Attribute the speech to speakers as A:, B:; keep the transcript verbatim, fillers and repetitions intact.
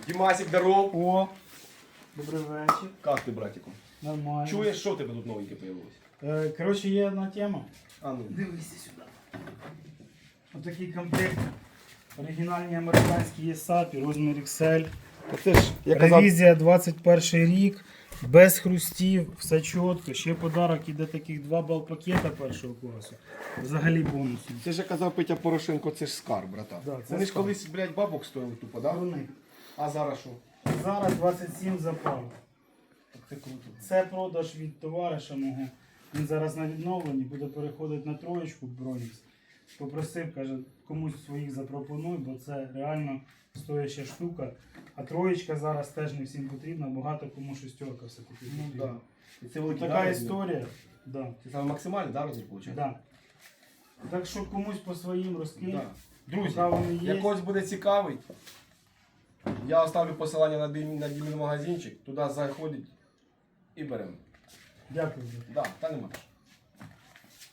A: Дімасик, здоров.
B: О, добрий вечір.
A: Как ти, братику?
B: Нормально.
A: Чуєш, що в тебе тут новеньке появилось?
B: Е, коротше, є одна тема.
A: А ну.
B: Дивися сюди. Отакий комплект. Оригінальні американські є сапі, розмір ікс ель.
A: Це ж, я казав,
B: Ревізія двадцять перший рік, без хрустів, все чітко. Ще подарок іде таких два бал-пакета першого класу. Взагалі бонусом.
A: це ж я казав Петя Порошенко, це ж скарб, брата.
B: Да, це
A: Вони ж
B: скарб.
A: колись, блядь, бабок стоїли тупо, да?
B: Вони.
A: А зараз що?
B: Зараз двадцять сім за пару.
A: Так це круто.
B: Це продаж від товариша мого. Він зараз на відновленні, буде переходити на троєчку Бронікс. Попросив, каже, комусь своїх запропонуй, бо це реально стояща штука. А троєчка зараз теж не всім потрібна, багато кому шестерка все-таки
A: Ну
B: потрібна.
A: да. І це великий
B: Така
A: да,
B: історія. Да.
A: Це саме максимальний, да, розмір, виходить?
B: Да. Так що комусь по своїм розкинь.
A: Да. Друзі,
B: Поки вони є.
A: якось буде цікавий, я оставлю посилання на Дімін, на Дімін магазинчик, туди заходить і беремо.
B: Дякую.
A: Да, та нема.